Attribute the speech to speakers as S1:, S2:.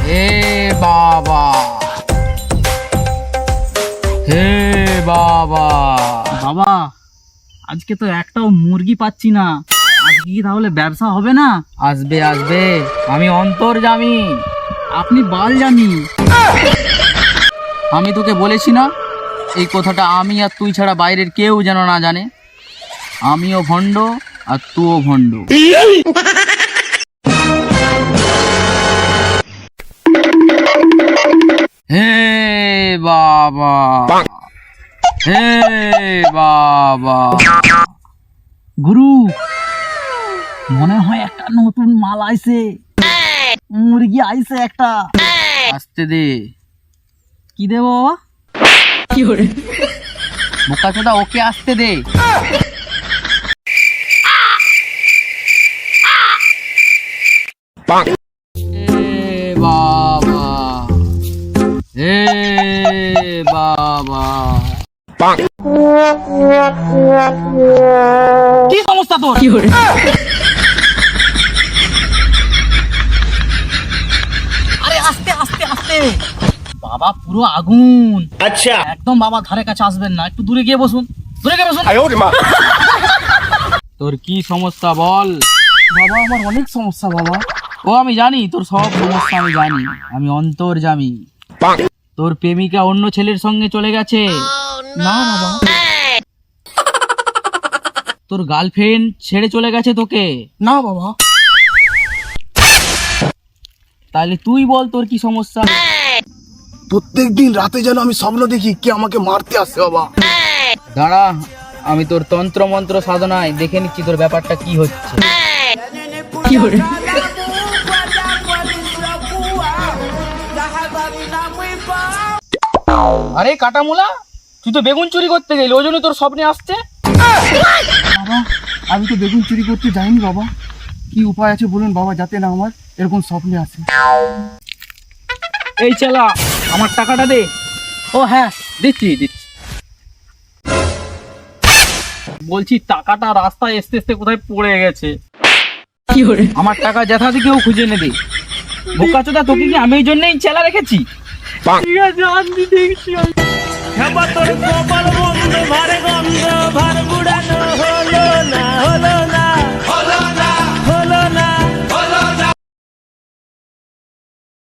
S1: হে বাবা, হে বাবা।
S2: বাবা আজকে তো একটাও মুরগি পাচ্ছি না, আজকে কি তাহলে ব্যবসা হবে না?
S1: আসবে আসবে, আমি অন্তর্যামী।
S2: আপনি বাল জানি।
S1: আমি তোকে বলেছি না এই কথাটা আমি আর তুই ছাড়া বাইরের কেউ যেন না জানে। আমিও ভণ্ড আর তুইও ভণ্ড। হে বাবা, হে বাবা।
S2: গুরু মনে হয় একটা নতুন মাল আইছে, মুরগি আইছে একটা।
S1: আসতে দে।
S2: কি দেবো বাবা?
S1: বোকা চোদা, ওকে আসতে দে। হে বাবা, হে বাবা।
S2: কি সমস্যা তোর? আরে আস্তে আস্তে আস্তে, বাবা পুরো আগুন।
S3: আচ্ছা,
S2: একদম বাবা ধারে কাছে আসবেন না, একটু দূরে গিয়ে বসুন, দূরে গিয়ে বসুন।
S1: তোর কি সমস্যা বল?
S2: বাবা আমার অনেক সমস্যা বাবা।
S1: ও আমি জানি তোর সব সমস্যা, আমি জানি। আমি অন্তর্যামী। তোর প্রেমিকা অন্য ছেলের সঙ্গে চলে গেছে।
S2: না বাবা।
S1: তোর গার্লফ্রেন্ড ছেড়ে চলে গেছে তোকে।
S2: না বাবা।
S1: তাহলে তুই বল তোর কি সমস্যা?
S3: প্রত্যেকদিন রাতে যেন আমি স্বপ্ন দেখি কে আমাকে মারতে আসে বাবা।
S1: দাঁড়া, আমি তোর তন্ত্র মন্ত্র সাধনায় দেখে নিচ্ছি তোর ব্যাপারটা কি হচ্ছে। আরে কাটামুলা, তুই তো বেগুন চুরি করতে গেলি, ওই জন্য তোর স্বপ্নে আসছে।
S3: বাবা আমি তো বেগুন চুরি করতে যাইনি বাবা। কি উপায় আছে বলুন বাবা, যাতে না আমার এরকম স্বপ্নে আসে।
S1: এই চালা, আমার টাকাটা দে।
S2: ও হ্যাঁ
S1: দিচ্ছি দিচ্ছি। বলছি টাকাটা রাস্তায় আসতে আসতে কোথায় পড়ে গেছে। আমার টাকা যেথা থেকেও খুঁজে এনে দে। বোকাচোদা, তোকে কি আমি এই জন্যই চেলা রেখেছি?
S2: ঠিক আছে, আমি দেখছি।